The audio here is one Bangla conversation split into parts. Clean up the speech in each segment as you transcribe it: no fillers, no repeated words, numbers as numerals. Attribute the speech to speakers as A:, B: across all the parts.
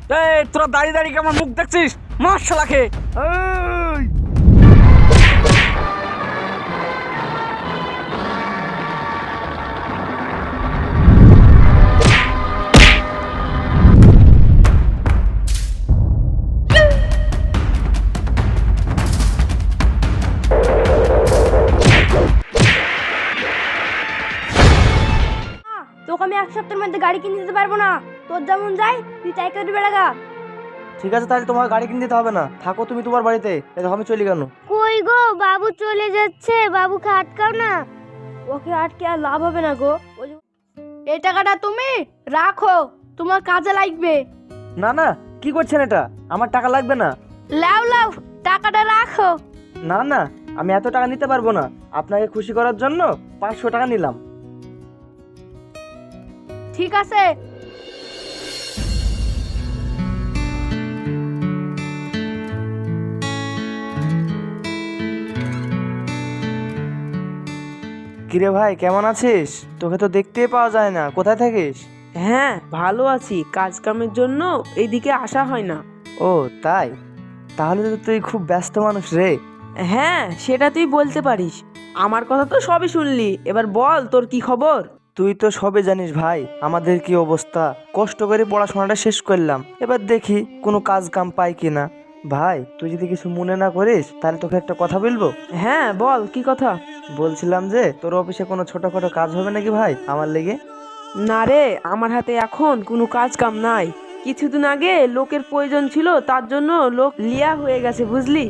A: এই তোরা দাঁড়িয়ে দাঁড়িয়ে কি আমার মুখ দেখছিস? মার শালাকে। এই
B: তোকে আমি এক সপ্তাহের মধ্যে গাড়ি কিনে দিতে পারবো না। তোর যেমন যাই তুই তাই করে বেড়াগা।
C: ঠিক আছে, তাহলে তোমার গাড়ি কিনে দিতে হবে না, থাকো তুমি তোমার বাড়িতে। দেখো আমি চলে গেল।
B: কই গো, বাবু চলে যাচ্ছে, বাবুকে আটকাও না। ওকে আটকে আর লাভ হবে না গো। এই টাকাটা তুমি রাখো, তোমার কাজে লাগবে।
C: না না, কি করছেন এটা? আমার টাকা লাগবে না।
B: লাও লাও, টাকাটা রাখো।
C: না না, আমি এত টাকা নিতে পারবো না। আপনাকে খুশি করার জন্য 500 টাকা নিলাম।
B: ঠিক আছে।
C: কিরে ভাই, কেমন আছিস? তোকে তো দেখতেই পাওয়া যায় না, কোথায় থাকিস?
D: হ্যাঁ ভালো আছি, কাজ কামের জন্য এইদিকে আসা হয় না।
C: ও তাই? তাহলে তো তুই খুব ব্যস্ত মানুষ রে।
D: হ্যাঁ সেটা তুই বলতে পারিস। আমার কথা তো সবই শুনলি, এবার বল তোর কি খবর।
C: তুই তো সবে জানিস ভাই আমাদের কি অবস্থা। কষ্ট করে পড়াশোনাটা শেষ করলাম, এবার দেখি কোনো কাজ কাম পাই কিনা। ভাই তুই যদি কিছু মনে না করিস তাহলে তোকে একটা কথা বলবো।
D: হ্যাঁ বল কি কথা।
C: বলছিলাম যে তোর অফিসে কোনো ছোটখাটো কাজ হবে নাকি ভাই আমার লেগে?
D: না রে, আমার হাতে এখন কোনো কাজ কাম নাই। কিছুদিন আগে লোকের প্রয়োজন ছিল, তার জন্য লোক লিয়া হয়ে গেছে বুঝলি।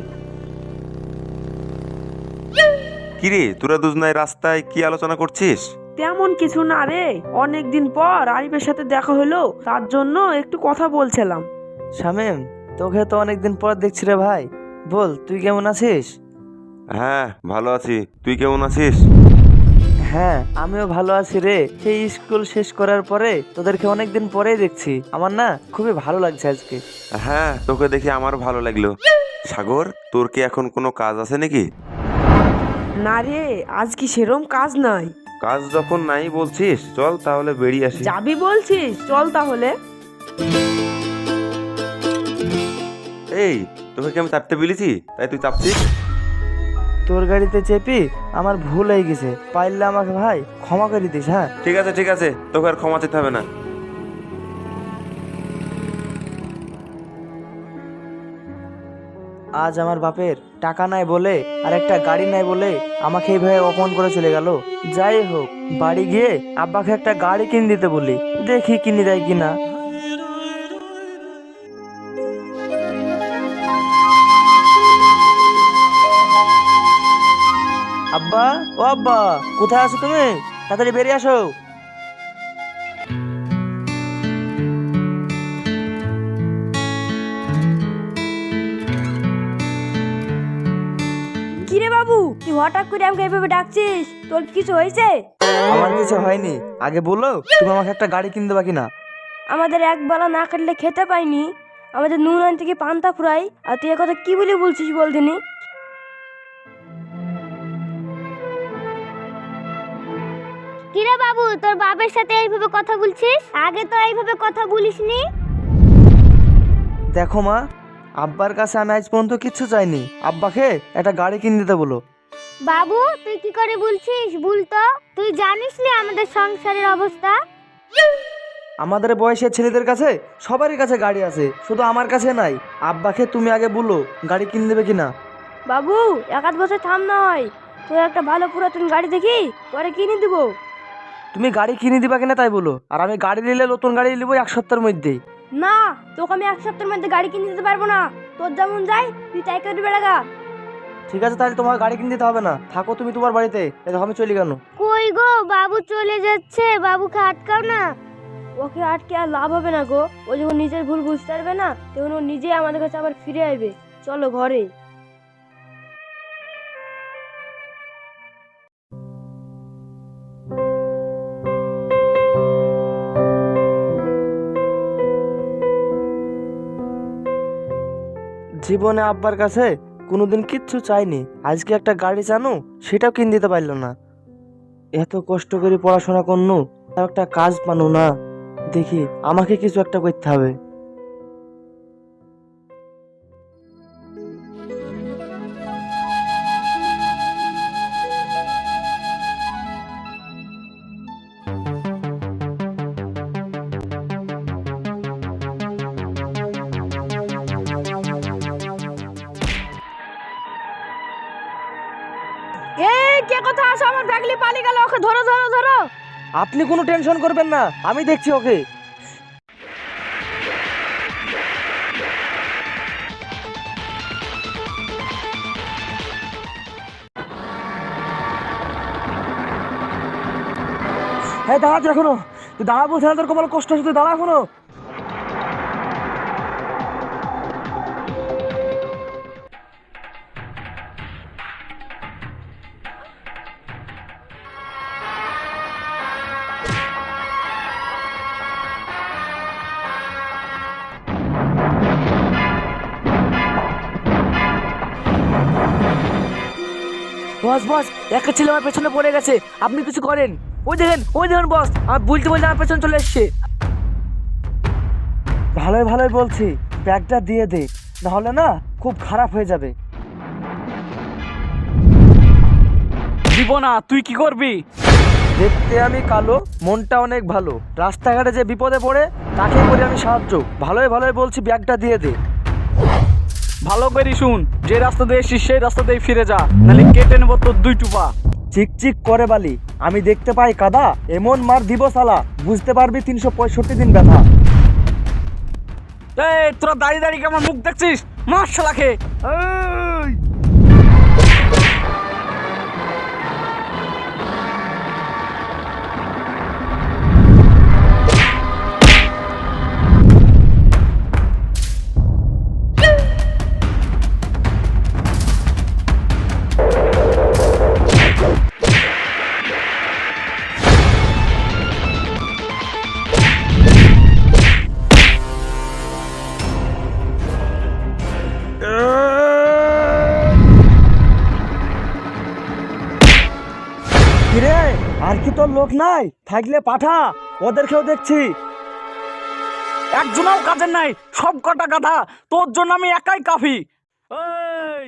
E: কিরে, তোরা দুজনায় রাস্তায় কি আলোচনা করছিস?
D: তেমন কিছু না রে, অনেকদিন পর আরিফের সাথে দেখা হলো, তার জন্য একটু কথা বলছিলাম।
C: শামীম, তোকে তো অনেকদিন পর দেখছি রে ভাই। বল তুই কেমন আছিস?
E: হ্যাঁ ভালো আছি, তুই কেমন আছিস?
C: হ্যাঁ আমিও ভালো আছি রে। সেই স্কুল শেষ করার পরে তোদেরকে অনেকদিন পরেই দেখছি, আমার না খুবই ভালো লাগছে আজকে।
E: হ্যাঁ তোকে দেখে আমার ভালো লাগলো। সাগর, তোর কি এখন কোনো কাজ আছে নাকি?
D: না রে, আজ কি সেরম কাজ নাই।
E: কাজ যখন নাই বলছিস, চল তাহলে বেরিয়ে আসি।
D: যাবি বলছিস, চল তাহলে।
E: এই, তোকে কি আমি চাপতে বলেছি তাই তুই চাপছিস?
C: তোর গাড়িতে চেপি আমার ভুল হয়ে গেছে, পাইলে আমাকে ভাই ক্ষমা করে দিস। হ্যাঁ
E: ঠিক আছে ঠিক আছে, তোকে আর ক্ষমা চেতে হবে না।
C: আজ আমার বাপের টাকা নাই বলে আর একটা গাড়ি নাই বলে আমাকে এইভাবে অপমান করে চলে গেল। যাই হোক, বাড়ি গিয়ে আব্বাকে একটা গাড়ি কিনে দিতে বলি, দেখি কিনে দেয় কিনা। আব্বা, ও আব্বা, কোথায় আছো তুমি? তাড়াতাড়ি বেরিয়ে আসো।
B: কিরে বাবু, তুই হঠাৎ করে আমাকে এইভাবে ডাকছিস? তোর কিছু হয়েছে?
C: আমার কিছু হয়নি, আগে বলো তুমি আমাকে একটা গাড়ি কিনে দেবা কিনা।
B: আমাদের একবেলা না কাটলে খেতে পাইনি, আমাদের নুন আন থেকে পান্তা ফুরাই, আর তুই কথা কি বলে বলছিস বলদিনি? কিরে বাবু, তোর বাবার সাথে এইভাবে কথা বলছিস? আগে তো এইভাবে কথা বলিসনি।
C: দেখো মা, আব্বার কাছে আমি আজ পর্যন্ত কিচ্ছু চাইনি, আব্বাকে একটা গাড়ি কিনে দিতে বলো।
B: বাবু তুই কি করে বলছিস? ভুল তো। তুই জানিস না আমাদের সংসারের অবস্থা।
C: আমাদের বয়সের ছেলেদের কাছে সবারই কাছে গাড়ি আছে, শুধু আমার কাছে নাই। আব্বাকে তুমি আগে বলো গাড়ি কিনে দেবে কিনা।
B: বাবু এক আধ বছর থাম না হয়, তুই একটা ভালো পুরাতন গাড়ি দেখি পরে কিনে দিব।
C: তুমি গাড়ি কিনে দিবা কিনা তাই বলো, আর আমি গাড়ি নিলে নতুন গাড়ি নিবো 1 সপ্তাহের মধ্যেই।
B: না, তোকে আমি এক সপ্তাহের মধ্যে গাড়ি কিনে দিতে পারবো না। তোর যেমন যাই তুই তাই করে বেড়াগা।
C: ঠিক আছে, তাহলে তোমার গাড়ি কিনে দিতে হবে না, থাকো তুমি তোমার বাড়িতে। দেখো আমি চলে গেল।
B: কই গো, বাবু চলে যাচ্ছে, বাবুকে আটকাও না। ওকে আটকে আর লাভ হবে না গো। ও যখন নিজের ভুল বুঝতে পারবে না, তখন ও নিজেই আমাদের কাছে আবার ফিরে আসবে। চলো ঘরে।
C: জীবনে আব্বার কাছে কোনোদিন কিচ্ছু চাইনি, আজকে একটা গাড়ি চানু সেটাও কিনে দিতে পারলো না। এত কষ্ট করে পড়াশোনা করনু, তাও একটা কাজ পানু না। দেখি আমাকে কিছু একটা করতে হবে।
B: কে কোথায় আসো? আমার ব্যাগলি পালিয়ে গেল, ওকে ধরো ধরো ধরো।
C: আপনি কোনো টেনশন করবেন না, আমি দেখছি ওকে। হ্যাঁ দাঁড়া তুই এখনো, তুই দাঁড়া বলছে না, তোর কপালে কষ্ট হচ্ছে, তুই দাঁড়া এখনো। বস বস, একটা ছেলে আমার পেছনে পড়ে গেছে, আপনি কিছু করেন। ওই দেখেন বস, আমার বলতে বলতে আমার পেছনে চলে এসছে। ভালোই ভালোই বলছি, ব্যাগটা দিয়ে দে, নাহলে না খুব খারাপ হয়ে যাবে।
A: দিব না, তুই কি করবি?
C: দেখতে আমি কালো, মনটা অনেক ভালো। রাস্তাঘাটে যে বিপদে পড়ে তাকে করি আমি সাহায্য। ভালোই ভালোই বলছি, ব্যাগটা দিয়ে দে।
A: ভালো করে শুন, যে রাস্তা দিয়ে এসছিস সেই রাস্তা দিয়ে ফিরে যা, নাহলে কেটে নেবো তোর 2 টুপা।
C: চিকচিক করে বালি, আমি দেখতে পাই কাদা, এমন মার দিব সালা, বুঝতে পারবি 365 দিন ব্যথা।
A: এই তোরা দাঁড়িয়ে দাঁড়িয়ে আমার মুখ দেখছিস? মার শালাকে। এই
C: কিরে, আর কি তোর লোক নাই? থাকলে পাঠা, ওদেরকেও দেখছি।
A: একজনও কাজের নাই, সব কটা গাধা, তোর জন্য আমি একাই কাফি। এই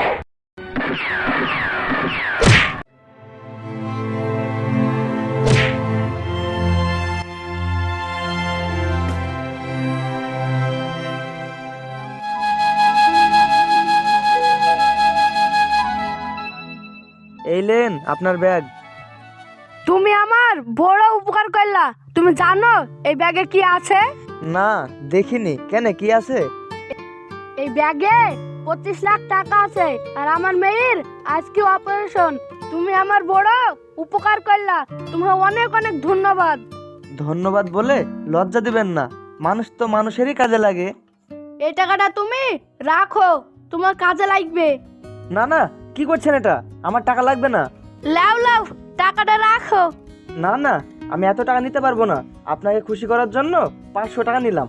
C: এই লেন আপনার ব্যাগ।
B: তুমি আমার বড় উপকার করলা। তুমি জানো এই ব্যাগে কি আছে?
C: না দেখিনি, কেন কি আছে?
B: এই ব্যাগে 25 লাখ টাকা আছে, আর আমার মেয়ের আজকে অপারেশন। তুমি আমার বড় উপকার করলা, তোমার অনেক অনেক ধন্যবাদ।
C: ধন্যবাদ বলে লজ্জা দিবেন না, মানুষ তো মানুষেরই কাজে লাগে।
B: এই টাকাটা তুমি রাখো, তোমার কাজে লাগবে।
C: না না, কি করছেন এটা? আমার টাকা লাগবে না।
B: লাও লাও, টাকাটা রাখো।
C: না না, আমি এত টাকা নিতে পারবো না। আপনাকে খুশি করার জন্য 500 টাকা নিলাম।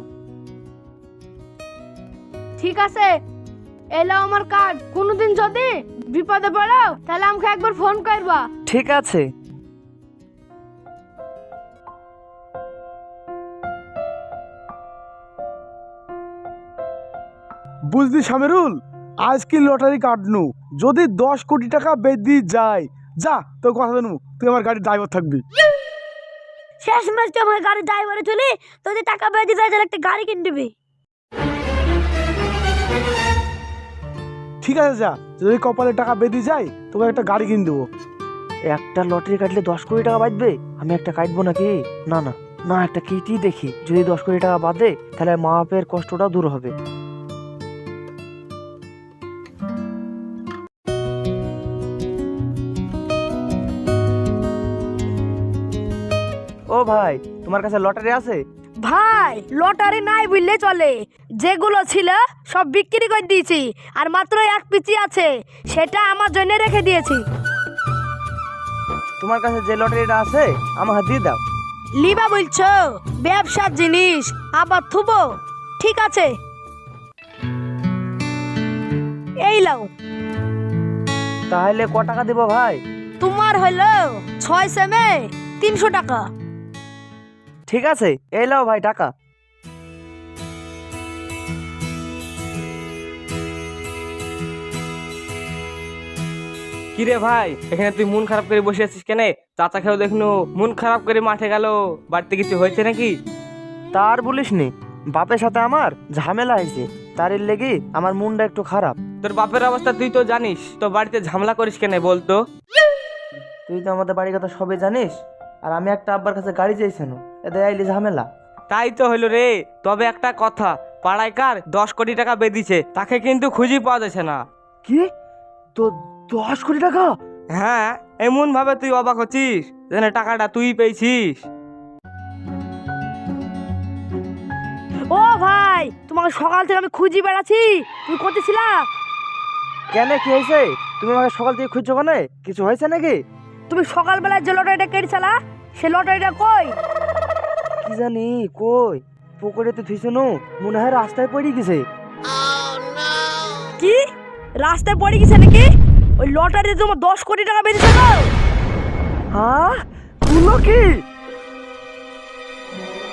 B: ঠিক আছে, এলো আমার কার্ড। কোনোদিন যদি বিপদে পড়ো তাহলে আমাকে একবার ফোন করবা।
C: ঠিক আছে।
F: বুঝলি শামিরুল, আজ কি লটারি কাটনু, যদি 10 কোটি টাকা বেদি যায়, যা তোর কথা জানু, তুই আমার গাড়ির ড্রাইভার থাকবি।
B: শেষ মাস তো আমার গাড়ি ড্রাইভারে চলে, তোদের টাকা বেঁধে যায়, তাহলে একটা গাড়ি কিনে দিবি।
F: ঠিক আছে যা, যদি কপালে টাকা বেদি যায় তোকে একটা গাড়ি কিনে দেবো।
C: একটা লটারি কাটলে 10 কোটি টাকা বাঁচবে? আমি একটা কাটবো নাকি? না না না, একটা কেটেই দেখি, যদি 10 কোটি টাকা বাঁধে তাহলে মা বাপের কষ্টটা দূর হবে। ও ভাই, তোমার কাছে লটারি আছে?
B: ভাই লটারি নাই বুঝলে চলে, যেগুলো ছিল সব বিক্রি করে দিয়েছি, আর মাত্র এক পিচি আছে, সেটা আমার জন্য রেখে দিয়েছি।
C: তোমার কাছে যে লটারিটা আছে আমাকে দিয়ে দাও।
B: লিবা বলছো? ব্যবসার জিনিস আবার থুবো? ঠিক আছে, এই লাও।
C: তাহলে ক টাকা দেবো ভাই?
B: তোমার হলো 6 সেমে 300 টাকা।
C: ঠিক আছে, এই লাও ভাই টাকা।
G: কিরে ভাই, এখানে তুই মন খারাপ করে বসে আছিস কেন? চাচা খেয়েও দেখনু মন খারাপ করে মাঠে গেল, বাড়িতে কিছু হয়েছে নাকি?
C: তার বলিস নি, বাপের সাথে আমার ঝামেলা হয়েছে, তার লেগে আমার মনটা একটু খারাপ।
G: তোর বাপের অবস্থা তুই তো জানিস, তো বাড়িতে ঝামেলা করিস কেন বলতো?
C: তুই তো আমাদের বাড়ির কথা সবে জানিস, আর আমি একটা আব্বার কাছে গাড়ি চাইছেন, এদের আইলি ঝামেলা।
G: তাই তো হলো রে। তবে একটা কথা, পাড়ায় কার 10 কোটি টাকা বেদিছে, তাকে কিন্তু খুঁজে পাওয়া যাচ্ছে না।
F: কি? তো 10 কোটি টাকা?
G: হ্যাঁ, এমন ভাবে তুই অবাক হচ্ছিস যেন টাকাটা তুই পেয়েছিস।
B: ও ভাই, তোমাকে সকাল থেকে আমি খুঁজি বেড়াচ্ছি, তুমি কোথায় ছিলা?
C: কেন, কি হয়েছে? তুমি আমাকে সকাল থেকে খুঁজছো কেন? কিছু হয়েছে নাকি?
B: তুমি সকালবেলা যে লটারিটা কেটেছিলা, সে লটারিটা কই?
C: কি জানি কই, পুকুরে তো থুইছো, মনে হয় রাস্তায় পড়ে গেছে।
B: কি রাস্তায় পড়ে গেছে নাকি? ওই লটারিতে তোমার 10 কোটি টাকা বেরিয়েছে।
C: হ্যাঁ, তুলো কি?